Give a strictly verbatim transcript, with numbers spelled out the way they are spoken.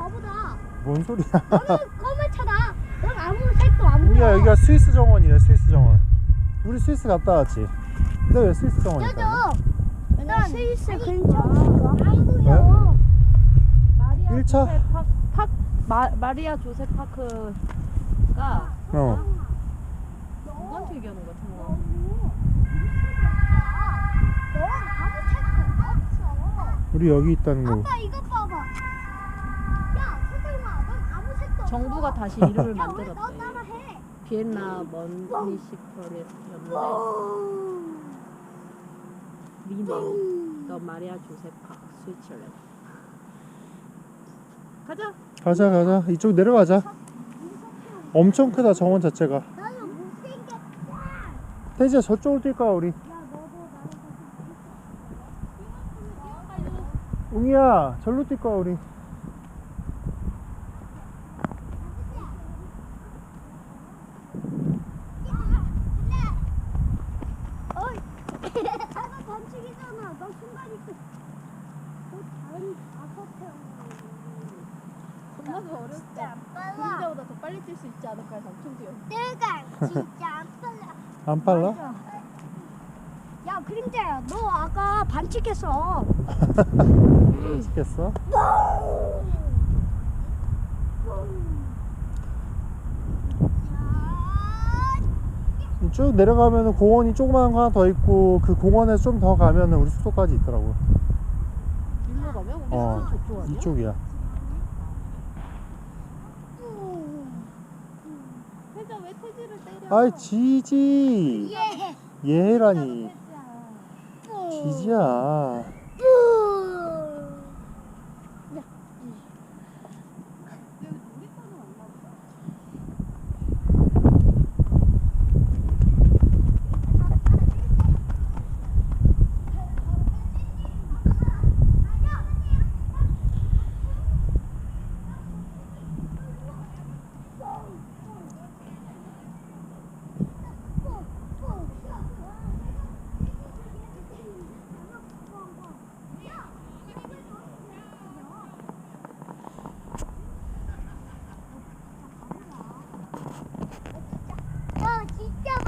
너보다. 뭔 소리야? 너는 검은 차다. 넌 아무 색도 안 보여. 우리야 여기가 스위스 정원이래. 스위스 정원. 우리 스위스 갔다 왔지. 근데 왜 스위스 정원일까? 저도. 난 스위스 근처 안 보여. 왜? 마리아 일 차? 조세 파, 파, 마, 마리아 조세 파크가 어. 누구한테 얘기하는 거야, 정말? 넌 아무 색도 없어. 우리 여기 있다는 거. 아빠 이거 봐봐. 야 서정아, 넌 아무 색도 없어. 정부가 다시 이름을 야, 왜 너 만들었대. 따라해? 비엔나 머니시퍼리였는데 리네임 더 마리아 조세 파크 스위tzerland. 가자. 가자 가자. 이쪽 내려가자. 엄청 크다 정원 자체가. 나는 못생겼다. 태지야 저쪽으로 뛸 거야 우리. 야 너도 나랑 웅이야 절로 뛸 거야 우리. 어이. 나도 반칙이잖아. 너 순간 있어. 너 다른 아파트. 겁나서 어렸을 때 안 빨라. 그림자보다 더 빨리 뛸 수 있지 않을까 해서 엄청 뛰어. 내가 진짜 안 빨라. 안 빨라? 야 그림자야, 너 아까 반칙했어. 맛있겠어? 쭉 내려가면은 공원이 조그마한 거 하나 더 있고 그 공원에서 좀 더 가면은 우리 숙소까지 있더라고. 일로 가면 우리 어, 숙소 저쪽 아니야? 이쪽이야. 회장 왜 태지를 때려? 아이 지지. 예. 얘라니. 지지야.